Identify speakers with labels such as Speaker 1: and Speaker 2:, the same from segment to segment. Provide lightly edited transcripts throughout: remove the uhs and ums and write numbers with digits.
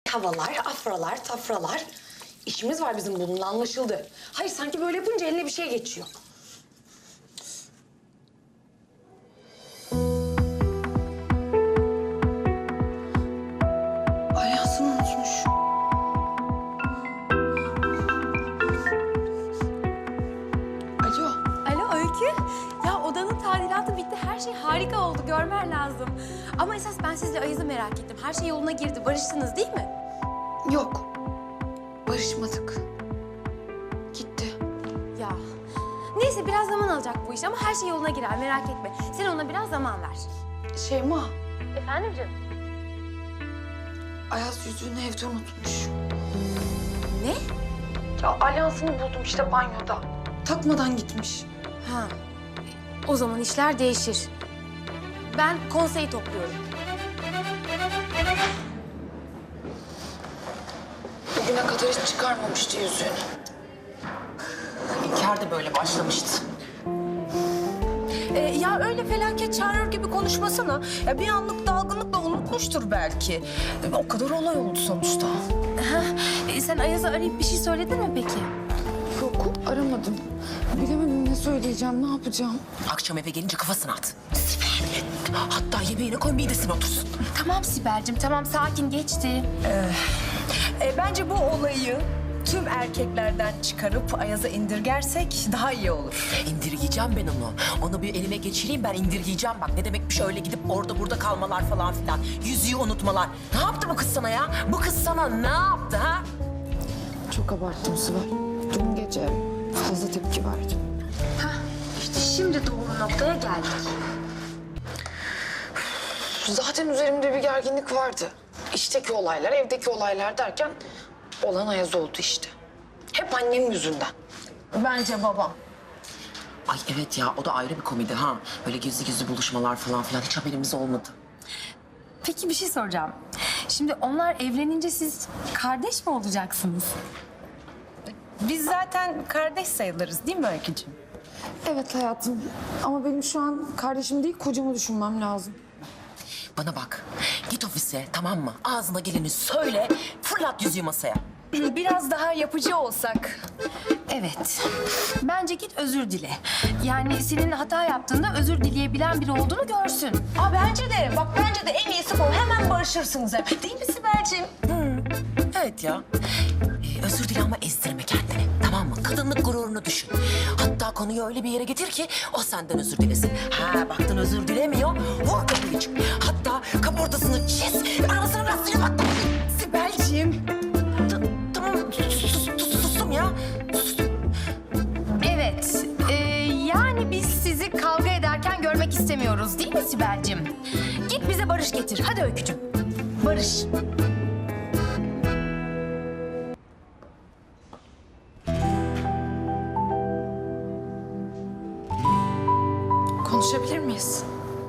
Speaker 1: Tavalar, afralar, tafralar. İşimiz var bizim bununla, anlaşıldı. Hayır, sanki böyle yapınca eline bir şey geçiyor. Alyansını unutmuş. Alo.
Speaker 2: Alo Öykü. Ya odanın tadilatı bitti. Her şey harika oldu. Görmen lazım. Ama esas ben sizle Ayaz'ı merak ettim. Her şey yoluna girdi. Barıştınız değil mi?
Speaker 1: Yok. Barışmadık. Gitti.
Speaker 2: Ya. Neyse biraz zaman alacak bu iş ama her şey yoluna girer. Merak etme. Sen ona biraz zaman ver.
Speaker 1: Şeyma,
Speaker 2: Efendim canım?
Speaker 1: Ayaz yüzüğünü evde unutmuş.
Speaker 2: Ne?
Speaker 1: Ya alyansını buldum işte banyoda. Takmadan gitmiş.
Speaker 2: Ha. O zaman işler değişir. Ben konseyi topluyorum.
Speaker 1: Bugüne kadar hiç çıkarmamıştı yüzüğünü.
Speaker 3: İlker de böyle başlamıştı.
Speaker 4: Ya öyle felaket çağırır gibi konuşmasana. Ya bir anlık dalgınlıkla unutmuştur belki. O kadar olay oldu sonuçta.
Speaker 2: Sen Ayaz'a arayıp bir şey söyledin mi peki?
Speaker 5: Yok, aramadım. Bilemedim ne söyleyeceğim, ne yapacağım.
Speaker 3: Akşam eve gelince kafasını at. Sibel. Hatta yemeğine koy midesine otursun.
Speaker 2: Tamam Sibel'cim, tamam sakin geçti.
Speaker 4: Bence bu olayı tüm erkeklerden çıkarıp Ayaz'a indirgersek daha iyi olur.
Speaker 3: İndirgeyeceğim ben onu. Onu bir elime geçireyim, ben indirgeyeceğim. Bak ne demekmiş öyle gidip orada burada kalmalar falan filan. Yüzüğü unutmalar. Ne yaptı bu kız sana ya? Bu kız sana ne yaptı ha?
Speaker 5: Çok abarttım Sibel. Dün gece fazla tepki verdim.
Speaker 2: İşte şimdi doğru noktaya geldik.
Speaker 1: Zaten üzerimde bir gerginlik vardı. İşteki olaylar, evdeki olaylar derken olan Ayaz oldu işte. Hep annem yüzünden.
Speaker 4: Bence babam.
Speaker 3: Ay evet ya, o da ayrı bir komedi ha. Böyle gizli gizli buluşmalar falan filan hiç haberimiz olmadı.
Speaker 2: Peki bir şey soracağım. Şimdi onlar evlenince siz kardeş mi olacaksınız?
Speaker 4: Biz zaten kardeş sayılırız değil mi Öykücüğüm?
Speaker 5: Evet hayatım ama benim şu an kardeşim değil kocamı düşünmem lazım.
Speaker 3: Bana bak, git ofise tamam mı? Ağzına geleni söyle, fırlat yüzüğü masaya.
Speaker 4: Biraz daha yapıcı olsak.
Speaker 2: Evet. Bence git özür dile. Yani senin hata yaptığında özür dileyebilen biri olduğunu görsün.
Speaker 4: Bence de. Bak bence de en iyisi bu. Hemen barışırsınız hep. Değil mi Sibel'ciğim?
Speaker 3: Evet ya. Özür dile ama ezdirme kendini. Tamam mı? Kadınlık gururunu düşün. Hatta konuyu öyle bir yere getir ki o senden özür dilesin. Ha baktın özür dilemiyor. Vur kapıyı çık. Hatta kaportasını çiz. Arasına biraz suyu bak.
Speaker 4: Sibel'ciğim.
Speaker 3: Tamam sustum ya.
Speaker 2: Evet. Yani biz sizi kavga ederken görmek istemiyoruz değil mi Sibel'cim? Git bize barış getir. Hadi Öykücüm. Barış.
Speaker 1: Konuşabilir miyiz?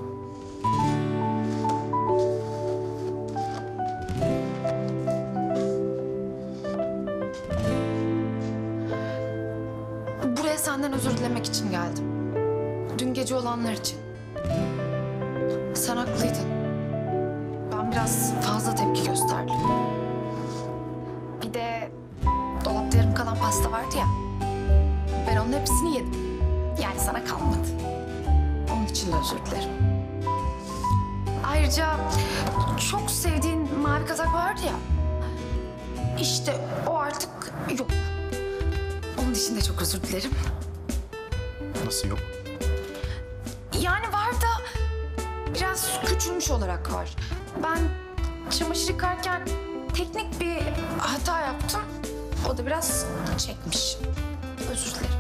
Speaker 1: Buraya senden özür dilemek için geldim. Dün gece olanlar için. Sen haklıydın. Ben biraz fazla tepki gösterdim. Bir de dolapta yarım kalan pasta vardı ya. Ben onun hepsini yedim. Yani sana kalmadı. Onun için de özür dilerim. Ayrıca çok sevdiğin mavi kazak vardı ya. İşte o artık yok. Onun için de çok özür dilerim.
Speaker 6: Nasıl yok?
Speaker 1: Yani var da biraz küçülmüş olarak var. Ben çamaşır yıkarken teknik bir hata yaptım. O da biraz çekmiş. Özür dilerim.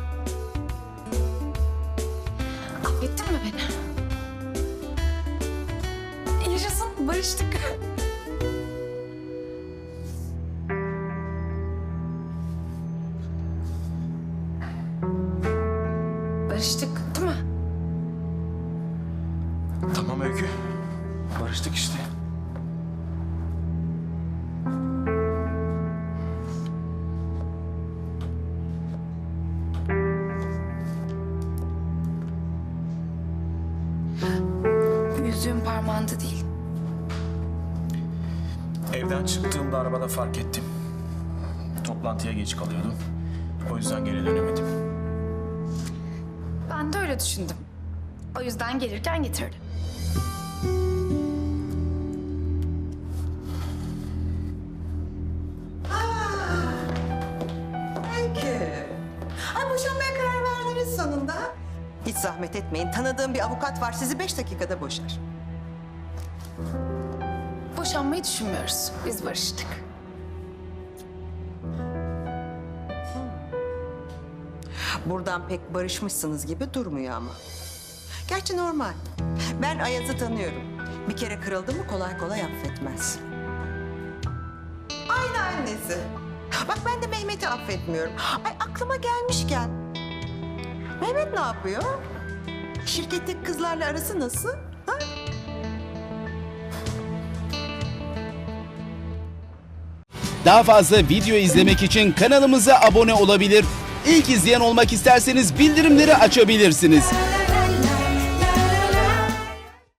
Speaker 1: Affettin mi beni? Yaşasın, barıştık. Barıştık değil mi?
Speaker 6: Tamam Öykü. Barıştık işte.
Speaker 1: Yüzüğüm parmağında değil.
Speaker 6: Evde Evden çıktığımda arabada fark ettim. Toplantıya geç kalıyordum. O yüzden geri dönemedim.
Speaker 1: Ben de öyle düşündüm. O yüzden gelirken getirdim.
Speaker 7: Peki. Ay boşanmaya karar verdiniz sonunda. Hiç zahmet etmeyin. Tanıdığım bir avukat var. Sizi 5 dakikada boşar.
Speaker 1: Boşanmayı düşünmüyoruz. Biz barıştık.
Speaker 7: Buradan pek barışmışsınız gibi durmuyor ama. Gerçi normal. Ben Ayaz'ı tanıyorum. Bir kere kırıldı mı kolay kolay affetmez. Aynı annesi. Bak ben de Mehmet'i affetmiyorum. Ay aklıma gelmişken. Mehmet ne yapıyor? Şirketteki kızlarla arası nasıl? Ha?
Speaker 8: Daha fazla video izlemek için kanalımıza abone olabilir. İlk izleyen olmak isterseniz bildirimleri açabilirsiniz.